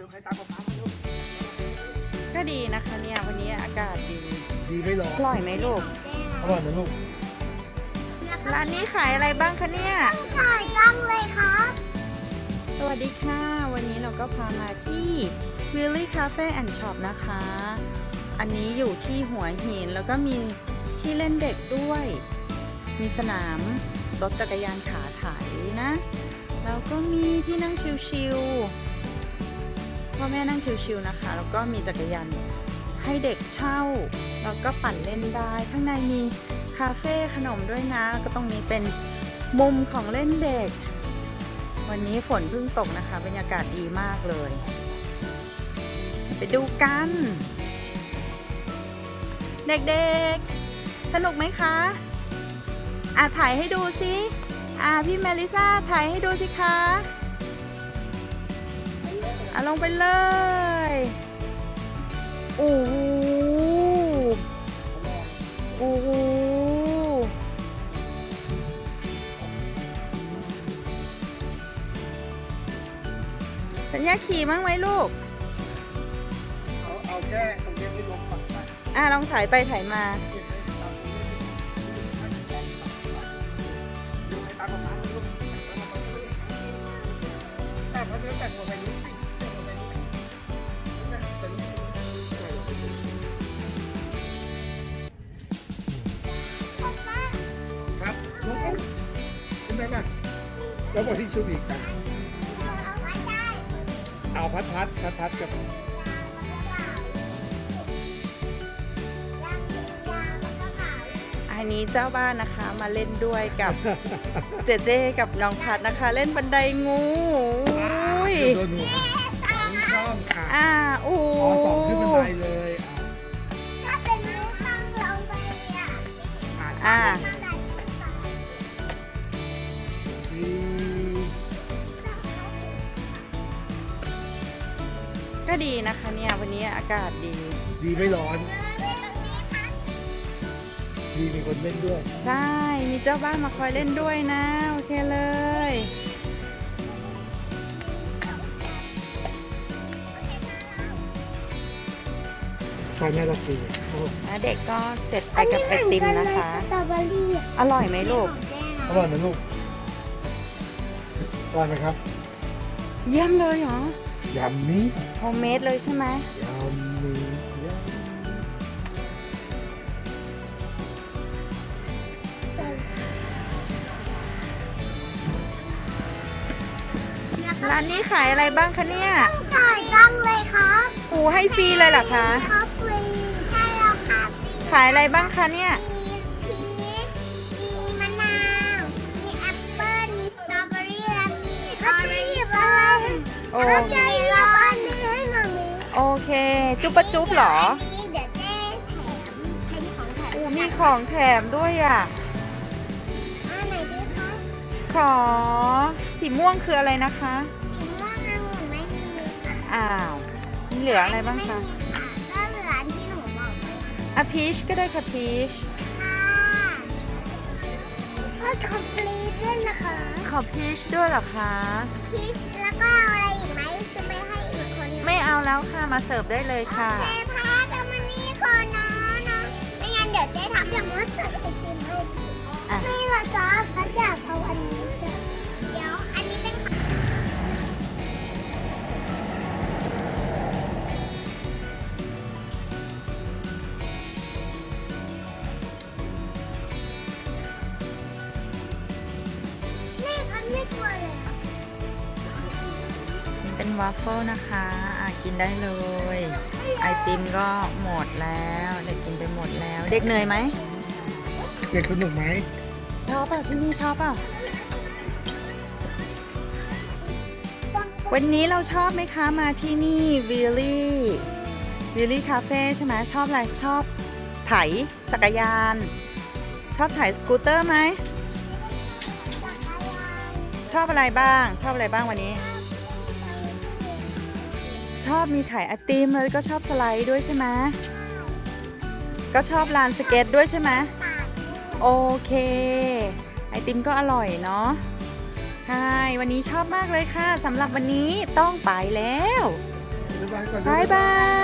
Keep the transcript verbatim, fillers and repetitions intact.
ก็ดีนะคะเนี่ยวันนี้อากาศดีดีไม่ร้อนอร่อยไหมลูกอร่อยไหมลูกร้านนี้ขายอะไรบ้างคะเนี่ยขายตั้งเลยครับสวัสดีค่ะ วันนี้เราก็พามาที่ Willy Cafe and Shop นะคะ อันนี้อยู่ที่หัวหินแล้วก็มีที่เล่นเด็กด้วย มีสนามรถจักรยานขาไถนะ แล้วก็มีที่นั่งชิวๆพ่อแม่นั่งชิวๆนะคะ แล้วก็มีจักรยานให้เด็กเช่า แล้วก็ปั่นเล่นได้ ข้างในมีคาเฟ่ขนมด้วยนะ แล้วก็ตรงนี้เป็นมุมของเล่นเด็ก วันนี้ฝนเพิ่งตกนะคะ บรรยากาศดีมากเลย ไปดูกัน เด็กๆ สนุกไหมคะอ่ะถ่ายให้ดูสิอ่ะพี่เมลิซ่าถ่ายให้ดูสิคะอ่ะลงไปเลยโอ้โหโอ้โหสัญญาขี่มั้งไหมลูกเอาเอาแค่ตรงนี้ไม่ล้มปักไปอ่ะลองถ่ายไปถ่ายมาแต่พอเนื้อแต่งหัวไปนิดนึงแต่หัวไปนิดนึงแต่นิดนึงครับน้องขึ้นได้ป่ะแล้วบอกที่ชุดอีกนะเอาพัดพัดพัดพัดกับอันนี้เจ้าบ้านนะคะมาเล่นด้วยกับ เจเจกับน้องพัดนะคะ เล่นบันไดงูอุ้ยโดนหนูครับนี่ช่องค่ะอ่าโอ้อ๋อสองขึ้นบันไดเลยถ้าเป็นนิ้วตั้งลงไปอ่ะอ่ะอ่าดีก็ดีนะคะเนี่ยวันนี้อากาศดีดีไม่ร้อน ดีมีคนเล่นด้วยใช่ มีเจ้าบ้านมาคอยเล่นด้วยนะ โอเคเลยใช่แม่รักดีแล้วเด็กก็เสร็จไปกับไอติมนะคะสตรอเบอรี่อร่อยไหมลูกอร่อยไหมลูกอร่อยไหมครับเยี่ยมเลยเหรอยำนี้โฮมเมดเลยใช่ไหมยำนี้ยร้านนี้ขายอะไรบ้างคะเนี่ยขายตั้งเลยครับปูให้ฟรีเลยเหรอคะคาเฟ่ใช่แล้วค่ะขายอะไรบ้างคะเนี่ยมีพีชมีมะนาว มีแอปเปิ้ล มีสตรอเบอรี่และมีออเรนจ์บ้างโอ้แล้วจะมีรอบอันนี้ให้มามีโอเค จุ๊บปะจุ๊บเหรออันนี้เดี๋ยวเจ๊แถมเป็นของแถมโอ้มีของแถมด้วยอ่ะอันไหนดีคะขอสีม่วงคืออะไรนะคะสีม่วงองุ่นไม่มีค่ะอ้าวมีเหลืออะไรบ้างคะไม่มีค่ะก็เหลืออันที่หนูบอกไปอ่ะพีชก็ได้ค่ะพีชค่ะก็คอมพลีทด้วยนะคะขอพีชด้วยเหรอคะพีชแล้วก็เอาอะไรอีกไหมจะไปให้อีกคนหนึ่งไม่เอาแล้วค่ะ มาเสิร์ฟได้เลยค่ะโอเคพาทำมันนี่คนนะนะไม่งั้นเดี๋ยวเจ๊ทำอย่างว่าใส่ไอติมให้อ่ะไม่ละจ้าพัดอยากเอาอันนี้จ้ะเดี๋ยวอันนี้เป็นของ แม่พันไม่กลัวเลยอะเป็นวาฟเฟิลนะคะอ่ะกินได้เลย ไอติมก็หมดแล้ว เด็กกินไปหมดแล้ว เด็กเหนื่อยไหมเด็กสนุกไหมชอบเปล่ะที่นี่ชอบเปล่ะวันนี้เราชอบไหมคะมาที่นี่วิลลี่วิลลี่คาเฟ่ใช่ไหมชอบอะไรชอบไถจักรยาน ชอบไถสกูตเตอร์ไหมชอบอะไรบ้าง ชอบอะไรบ้างวันนี้ ชอบมีขายไอติมแล้วก็ชอบสไลด์ด้วยใช่ไหมก็ชอบลานสเก็ตด้วยใช่ไหมโอเคไอติมก็อร่อยเนาะใช่วันนี้ชอบมากเลยค่ะสำหรับวันนี้ต้องไปแล้วก่อนบายบาย